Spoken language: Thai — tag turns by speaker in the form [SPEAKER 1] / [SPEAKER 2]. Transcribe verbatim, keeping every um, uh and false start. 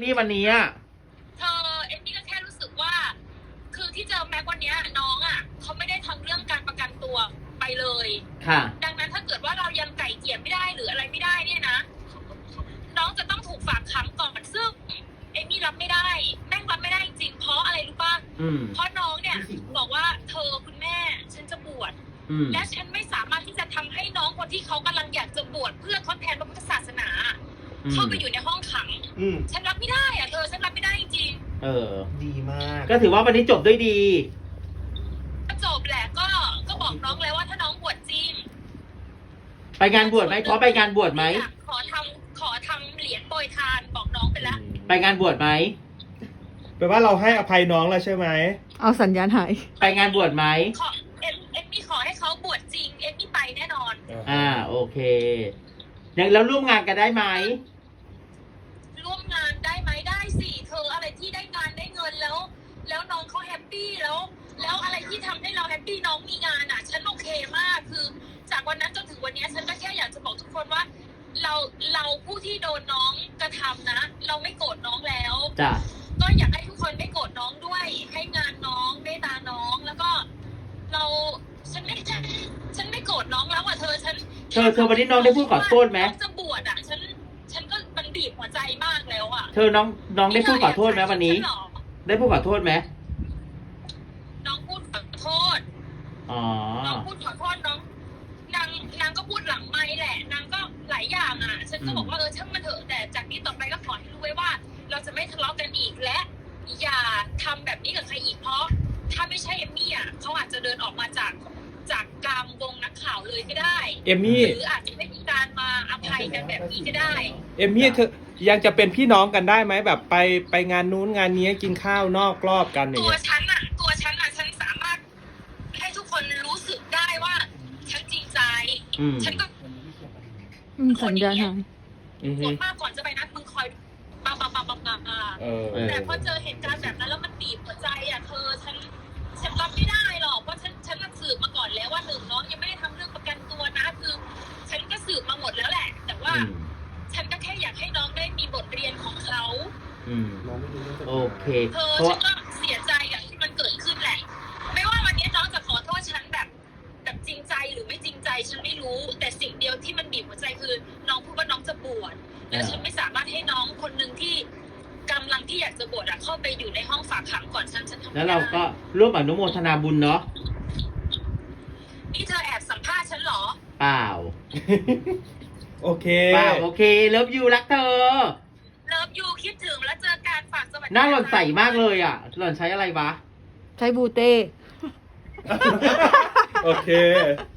[SPEAKER 1] มี่วันนี้อ่ะ
[SPEAKER 2] เธอเอมมี่ก็แค่รู้สึกว่า คือที่เจอแม็กวันนี้น้องอ่ะเขาไม่ได้ทำเรื่องการประกันตัวไปเลย
[SPEAKER 1] ค่ะ
[SPEAKER 2] ดังนั้นถ้าเกิดว่าเรายังไก่เกลี่ยไม่ได้หรืออะไรไม่ได้เนี่ยนะน้องจะต้องถูกฝากขังก่อนซึ่งเอมมี่รับไม่ได้แม่งรับไม่ได้จริงๆเพราะอะไรรู้ป่ะเพราะน้องเนี่ยบอกว่าเธอคุณแม่ฉันจะบวชและฉันไม่สามารถที่จะทำให้น้องคนที่เขากำลังอยากจะบวชเพื่อทดแทนพระพุทธศาสนาเข้าไปอยู่ในห้องขังฉันรับไม่ได้อะเธอฉันรับไม่ได้จริง
[SPEAKER 1] เออ
[SPEAKER 3] ดีมาก
[SPEAKER 1] ก็ถือว่าวันนี้จบด้วยดี
[SPEAKER 2] ก็จบแหละก็ก็บอกน้องแล้วว่าถ้าน้องบวชจริง
[SPEAKER 1] ไปงานบวชไหมขอไปงานบวชไหม
[SPEAKER 2] ขอทำขอทำเหรียญโปรยทานบอกน้องไปแล้ว
[SPEAKER 1] ไปงานบวชไหม
[SPEAKER 3] แปลว่าเราให้อภัยน้องแล้วใช่ไหม
[SPEAKER 4] เอาสัญญาณหาย
[SPEAKER 1] ไปงานบวชไหม
[SPEAKER 2] ขอเอ็มเอ็มมี่ขอให้เขาบวชจริงเอ็มมี่ไปแน่นอน
[SPEAKER 1] อ่าโอเคยังแล้วร่วมงานกันได้ไหม
[SPEAKER 2] ร่วมงานได้ไหมได้สิเธออะไรที่ได้งานได้เงินแล้ว แล้วน้องเขาแฮปปี้แล้ว แล้วอะไรที่ทำให้เราแฮปปี้น้องมีงานอ่ะฉันโอเคมากคือจากวันนั้นจนถึงวันนี้ฉันก็แค่อยากจะบอกทุกคนว่า เราเราผู้ที่โดนน้องกระทำนะเราไม่โกรธน้องแล้ว
[SPEAKER 1] จ้ะ
[SPEAKER 2] ก็อยากให้ทุกคนไม่โกรธน้องด้วยให้งานน้องเมตตาน้องแล้วก็เราฉันไม่ฉันฉันไม่โกรธน้องแล้วอ่ะเธอฉัน
[SPEAKER 1] เธอเธอวันนี้น้องได้พูดขอโทษไหม
[SPEAKER 2] จะบวชอ่ะฉันฉันก็มันบีบหัวใจมากแล้วอ่ะ
[SPEAKER 1] เธอน้องน้องได้พูดขอโทษไหมวันนี้ได้พูดขอโทษไหม
[SPEAKER 2] น้องพูดขอโทษ
[SPEAKER 1] อ๋อ
[SPEAKER 2] น้องพูดขอโทษน้องนางนางก็พูดหลังไมค์แหละนางก็หลายอย่างอ่ะฉันก็บอกว่าเออช่างมันเถอะแต่จากนี้ต่อไปก็ขอให้รู้ไว้ว่าเราจะไม่ทะเลาะกันอีกและอย่าทำแบบนี้กับใครอีกเพราะถ้าไม่ใช่เอมมี่อ่ะเขาอาจจะเดินออกมาจากจากกลางวงนักข่าวเลยก็ได้
[SPEAKER 3] เอมมี่
[SPEAKER 2] หรืออาจจะไม่มีการมาอภัยกันแบบนี้ก็ได้
[SPEAKER 3] เอมมี่เธอยังจะเป็นพี่น้องกันได้ไหมแบบไปไปงานนู้นงานนี้กินข้าวนอกรอบกันอย่าง
[SPEAKER 2] เงี้ยตัวฉันอ่ะตัวฉันอ่ะฉันสามารถให้ทุกคนรู้สึกได้ว่าฉันจริงใจฉันก็
[SPEAKER 4] สัญญาณหาย
[SPEAKER 2] กดมากก่อนจะไปนัดมึงคอยปาปาปาปาปาแต่พอเจอเหตุการณ์แบบนั้นแล้วมันบีบหัวใจอ่ะเธอฉันฉันรับไม่ได้หรอกเพราะฉันฉันสืบมาก่อนแล้วว่าหนึ่งน้องยังไม่ได้ทำเรื่องประกันตัวนะคือฉันก็สืบมาหมดแล้วแหละแต่ว่าฉันก็แค่อยากให้น้องได้มีบทเรียนของเขา
[SPEAKER 1] โอเค
[SPEAKER 2] เธอฉันก็เสียใจอย่างที่มันเกิดขึ้นแหละไม่ว่าวันนี้น้องจะขอโทษฉันแบบแบบจริงใจหรือไม่จริงใจฉันไม่รู้แต่สิ่งเดียวที่มันบีบหัวใจคือน้องพูดว่าน้องจะบวชแล้วฉันไม่สามารถให้น้องคนหนึ่งที่กำลังที่อยากจะบวชเข้าไปอยู่ในห้องฝากขังก่อนฉันฉันทำ
[SPEAKER 1] แล้วเราก็ร่วมอนุโมทนาบุญเนาะ
[SPEAKER 2] นี่เธอแอบสัมภาษณ์ฉันเหรอ
[SPEAKER 1] เปล่า
[SPEAKER 3] โอเค
[SPEAKER 1] เปล่าโอเคเลิฟยูรักเธอ
[SPEAKER 2] เลิฟยูคิดถึงแล้วเจอการฝากสวัสดี
[SPEAKER 1] หน้าหล่อนใสมากเลยอ่ะหล่อนใช้อะไรวะ
[SPEAKER 4] ใช้บูเต้
[SPEAKER 3] โอเค